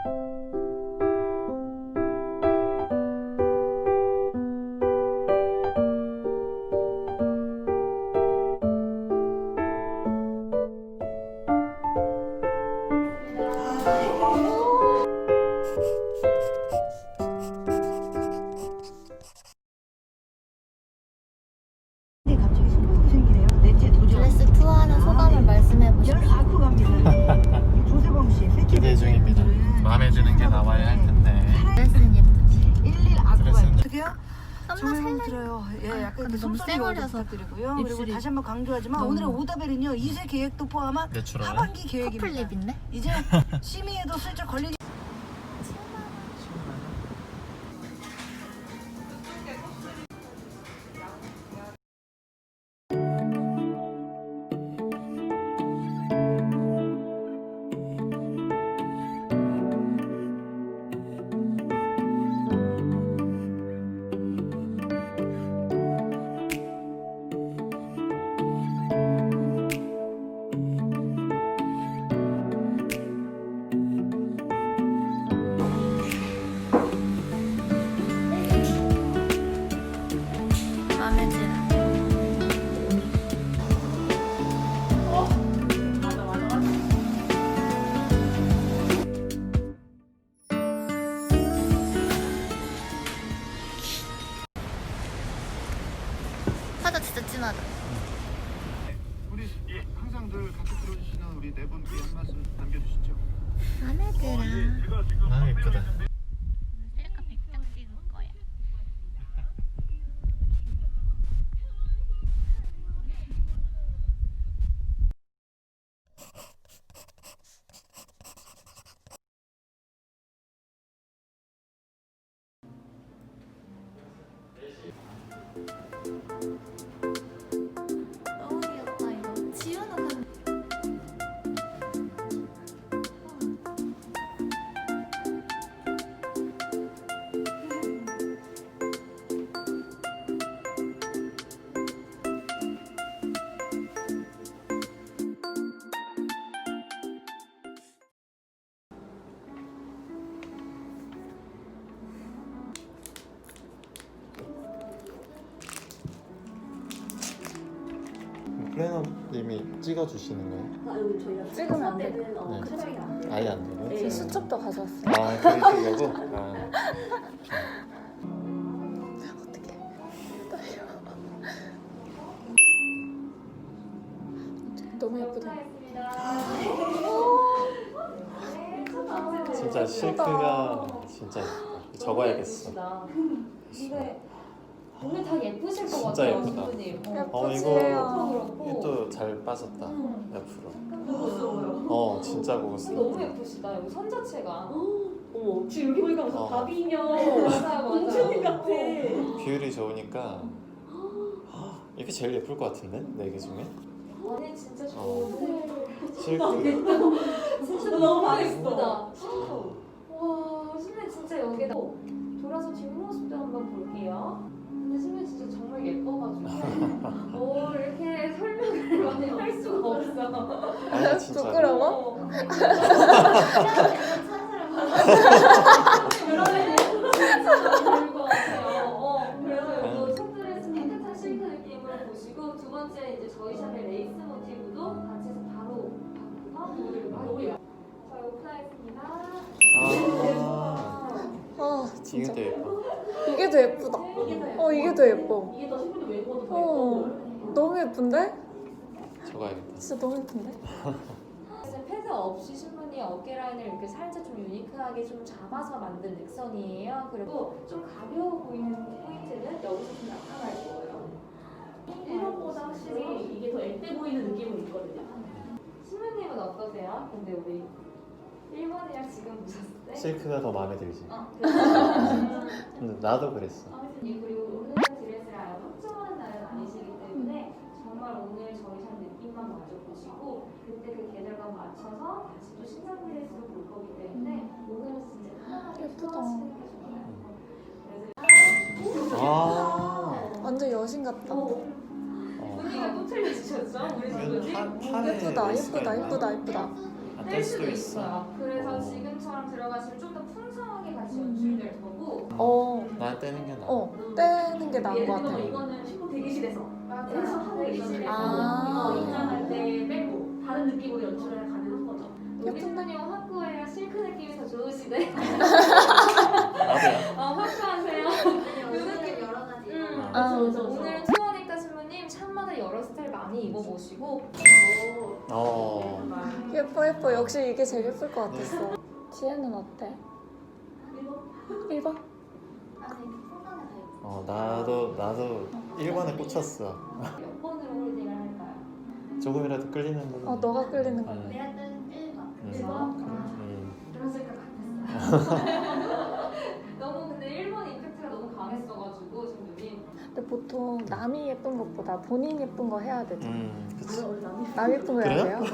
드레스 투어하는 소감을 말씀해보시죠. 기대 중입니다. 마음에 드는 게 나와야 할 텐데. 드레스는 예쁘지? 드레스는 어떻게요? 썸나 정말 살래? 마음에 들어요. 예, 약간 근데 너무 숨소리 쎄버려서 부탁드리고요. 그리고 입술이 다시 한번 강조하지만 너무- 오늘의 오다벨은요 2세 계획도 포함한 내추럴. 하반기 계획입니다. 커플 립인데? 이제 심의에도 슬쩍 걸리기. 마음에 들어. 화장 진짜 진하다. 우리 항상 늘 같이 들어주시는 우리 네 분께 한 말씀 남겨주시죠. 마음에 들어. 아 예쁘다. 셀카 100장 찍을 거야. 너무 귀엽다 이거. 지우는 플래너님이 찍어주시는 거예요? 찍으면 안 돼. 네. 아예 안 되고요? 제 수첩도 가져왔어. 아 그러시려고? 아. 어떡해. 떨려. 너무 예쁘다. 진짜 실크가 진짜 예쁘다. 적어야겠어. 근데 오늘 다 예쁘실 것 진짜 같아요, 예쁘다. 신부님. 이것도 잘 빠졌다. 옆으로. 고급스러워요. 진짜 고급스러워. 너무 예쁘시다. 여기 선 자체가. 어머, 지금 여기 보니까 무슨 바비 인형. 맞아요, 공주님 맞아요. 같아. 비율이 좋으니까 이게 제일 예쁠 것 같은데? 네 개 중에? 아니 진짜 좋은데. 실크. 진짜 너무 예쁘다. 와, 신부님 진짜 여기다 돌아서 뒷모습도 한번 볼게요. 근데 신부님 진짜 정말 예뻐가지고 이렇게 설명을 많이 할 수가 없어. 아니 진짜. 부끄러워? 그래서 이거 첫 드레스 깨끗한 실크 느낌으로 보시고 두 번째 이제 저희 샵의 레이스 모티브도 같이 해서 바로 바꾸서 보여드리고 할게요. 저희 오픈하겠습니다. 이게 더 예뻐. 이게 더 예쁘다. 이게 더 예뻐. 이게 더 신부님 외모도 더 예뻐. 너무 예쁜데? 적어야겠다. 진짜 너무 예쁜데? 패드 없이 신부님 어깨 라인을 이렇게 살짝 좀 유니크하게 좀 잡아서 만든 넥선이에요. 그리고 좀 가벼워 보이는 포인트는 여기서 좀 나타날 거예요. 1번보다 확실히 이게 더 앳돼 보이는 느낌은 있거든요. 신부님은 어떠세요? 근데 우리 1번이랑 지금 보셨을 때? 실크가 더 마음에 들지. 그래서 근데 나도 그랬어. 그리고 오늘 드레스를 아예 확정하는 날은 아니시기 때문에 정말 오늘 저희 샵 느낌만 마저 보시고 그때 그 계절감 맞춰서 다시 또 신상 드레스로 볼 거기 때문에 오늘은 진짜 편하게 예쁘다. 소화하시는 게 좋아요. 완전 여신 같다. 분위기가 또 틀려지셨죠? 우리 친구님? 예쁘다, 예쁘다, 예쁘다, 예쁘다. 안뗄 수도 있어. 그래서 지금처럼 들어가시면 게 나은 것 같아요. 이거는 신부 대기실에서 해서 하고 계시대요. 아. 이거 입장할 때 빼고 다른 느낌으로 연출을 가능한 거죠. 여기 예쁜데? 신부님 화구예요. 실크 느낌이 더 좋으시대. 나도요. 화구하세요. 옷을 여러 가지 아, 그래서 오늘 투어니까 신부님 샵마다 여러 스타일 많이 입어보시고 예뻐 예뻐. 역시 이게 제일 예쁠 것 같았어. 지혜는 어때? 1번? 아니 풍선에 다 있고 나도 1번에 꽂혔어. 몇 번으로 홀딩을 할까요? 조금이라도 끌리는 걸로. 너가 끌리는 거. 내가 뜬 1번 1번? 그러실 것 같았어요. 너무 근데 1번 임팩트가 너무 강했어가지고 신부님 근데 보통 남이 예쁜 것보다 본인 예쁜 거 해야 되죠. 그치. 남 예쁜 거 해야 돼요?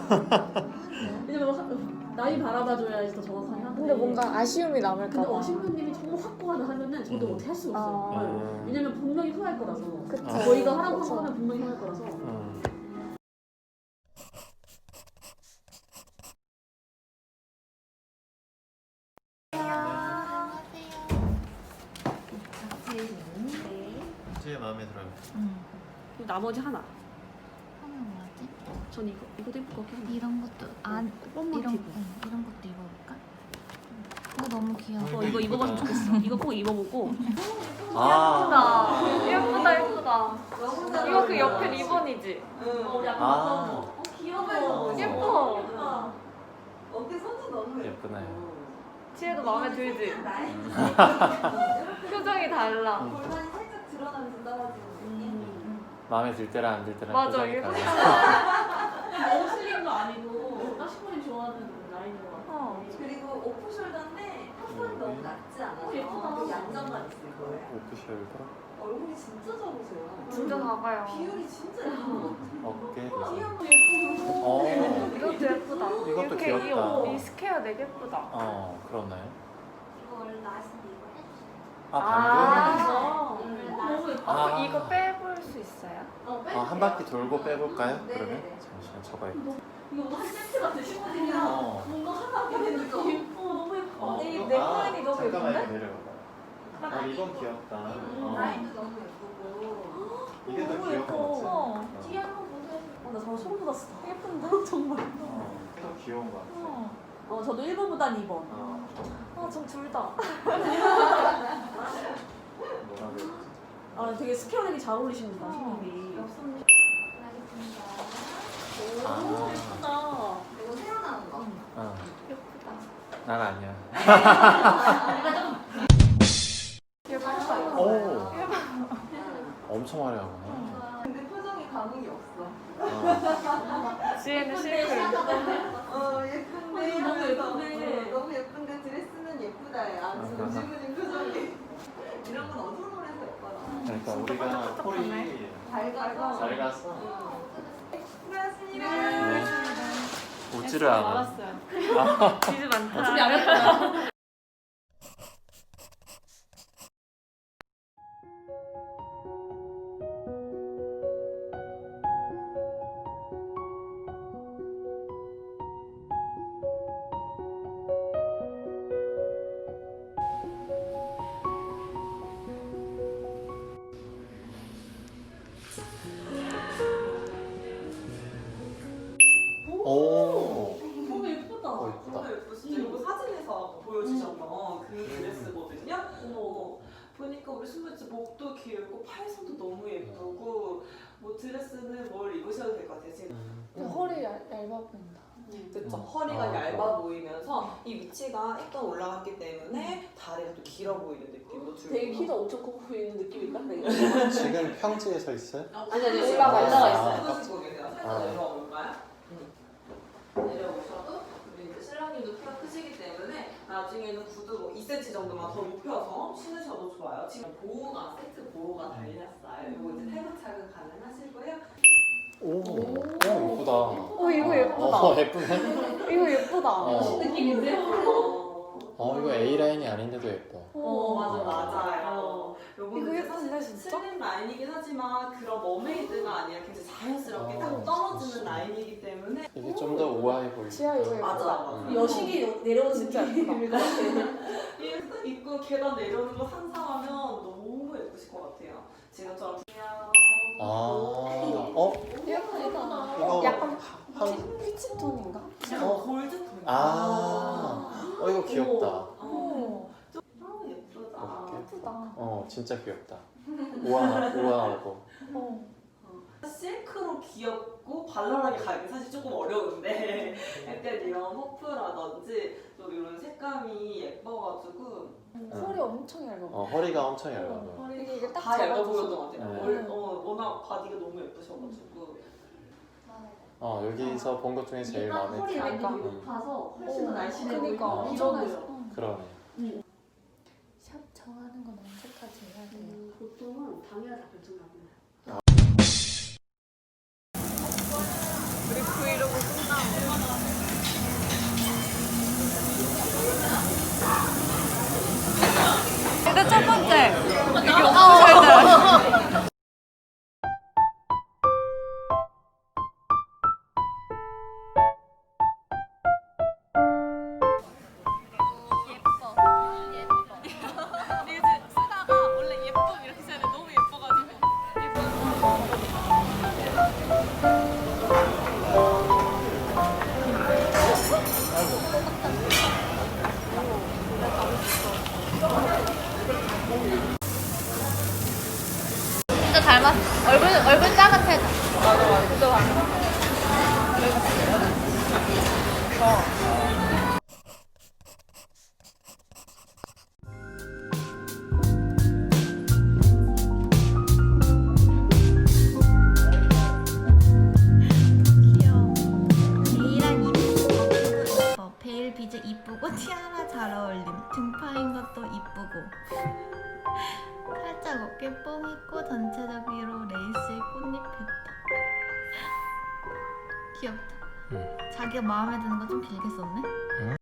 왜냐면 나이 바라봐줘야지 더 정확하게 하는데 근데 뭔가 아쉬움이 남을까 근데 봐. 신부님이 정말 확고하다 하면은 저도 어떻게 할 수가 없어요. 아. 왜냐면 분명히 후회할 거라서 그쵸. 저희가 하라고 그쵸. 하면 분명히 후회할 거라서 제 마음에 들어요. 그리고 나머지 하나 하면 뭐지? 전 이거도 예쁠 것 같긴 한데 이런 것도 안 뽕 이런 모티브. 이런 것도 입어볼까? 이거 너무 귀여워. 이거 입어봤으면 좋겠어. 이거 꼭 입어보고 예쁘다 예쁘다. 이거 그 옆에 리본이지? 귀여워. 예뻐. 예쁘네. 지혜도 마음에 들지? 표정이 달라. 골반이 살짝 드러나면서 떨어지는 마음에 들 때랑 안 들 때랑 맞아, 표정이 이거 달라. 너무 슬림도 아니고 딱 신부님 좋아하는 라인인 것 같아. 그리고 오프숄더인데 탑은 너무 낮지 않아서 예쁘다. 양정감 있을 거예요. 오프숄더, 얼굴이 진짜 작으세요. 진짜 작아요. 비율이 진짜 예뻐. 어깨. 귀여워. 이것도 예쁘다. 이것도 이렇게 귀엽다. 이 스퀘어 되게 예쁘다. 그렇나요? 이거 원래 나시는데 이거 해주세요. 방금? 너무 예뻐. 아. 이거 빼볼 수 있어요? 한 바퀴 돌고 빼볼까요? 네, 그러면? 네. 잠시만 저거 이거 한 세트 같아 신부님이랑 뭔가 하나 되는 느낌. 예뻐 너무 예뻐. 이 넥라인이 너무 잠깐만 예쁜데? 내려봐봐. 이건 귀엽다. 라인도 너무 예쁘고. 이게 더 너무 귀여운 예뻐. 것 같아. 뒤에 한번 보세요. 나 저거 소름 돋았어. 예쁜데 정말. 이게 더 귀여운 것 같아. 저도 1번보단 2번. 전 둘 다. 뭐라 그랬지? 되게 스퀘어 되게 잘 어울리십니다 신부님이. 알겠습니다. 너무 예쁘다. 이거 새로 나온 거. 예쁘다. 난 아니야. 예쁘다. 오. 엄청 화려하구나. 근데 표정이 감흥이 없어. 지혜는 실크. 예쁜데. 너무 예쁜데. 너무 예쁜데 드레스는 예쁘다. 신부님 표정이. 이런 건 어두운 홀에서 예뻐라. 그러니까 우리가 폴이 밝아서. 잘 갔어. 수고하셨습니다. 네. 웃지를 않아. 알았어요. 지즈 많다. 어차피 안 했다. 오. 너무 예쁘다. 예쁘다. 진짜 이거 사진에서 보여주셨던 그 드레스거든요. 보니까 우리 신부 진짜 목도 길고 팔선도 너무 예쁘고 뭐 드레스는 뭘 입으셔도 될 것 같아요. 지금 허리 얇아 보인다. 그쵸? 허리가 아, 얇아 보이면서 이 위치가 일단 올라갔기 때문에 다리가 또 길어 보이는 느낌도 들고 되게 키도 엄청 커 보이는 느낌일까? 지금 평지에 서 있어요? 아니 올라가 있어요. 있어요. 보시고 계세요. 살짝 아. 내려와 볼까요? 내려오셔도 우리 이제 신랑님도 키가 크시기 때문에 나중에는 구두 뭐 2cm 정도만 더 높여서 신으셔도 좋아요. 지금 보호가 세트 보호가 달렸어요. 이거 이제 탈부 착용 가능하시고요. 오. 예쁘다. 이거 예쁘다. 예쁘네. 이거 예쁘다. 느낌인데? 이거 A 라인이 아닌데도 예뻐. 맞아요. 요거는 이거 이제 예쁜데, 사실 진짜? 슬림 라인이긴 하지만 그런 머메이드가 아니라 굉장히 자연스럽게 딱 떨어지는 라인이기 때문에 이게 좀 더 우아해 보이고. 지아 이거 예쁘다. 맞아. 여식이 내려오는 진짜 느낌일 것 같아. 입고 계단 내려오는 거 상상하면 너무 예쁘실 것 같아요. 지금처럼 아, 어? 예쁘다. 이거 약간 한, 피치톤인가? 골드톤. 이거 귀엽다. 너무 예쁘다. 이렇게. 예쁘다. 진짜 귀엽다. 우아하고. 실크로 귀엽고 발랄하게 가기 사실 조금 어려운데 약간 이런 퍼프라든지 좀 이런 색감이 예뻐가지고 털이 엄청 얇아. 허리가 엄청 얇아요. 이게 딱 다 얇아 잡아줘서. 보였던 것 같아요. 네. 워낙 바디가 너무 예쁘셔가지고 여기서 본 것 중에 제일 마음에 허리 들어. 라인이 높아서 훨씬 더 날씬해 그니까 보이고 저도 일어나요. 그러네. 샵 정하는 건 언제까지 해야 돼요? 보통은 당일에 다 결정나고 우리 브이로그 끝나고 일단 첫 번째 이게 없으셔야 돼요. 진짜 닮았어. 얼굴 작은 귀여워. 베일랑 이쁘고 베일 비즈 이쁘고 티아라 잘 어울림. 등파인 것도 이쁘고 살짝 어깨 뽕 있고 전체적으로 레이스에 꽃잎 했다. 귀엽다. 자기가 마음에 드는 거 좀 길게 썼네.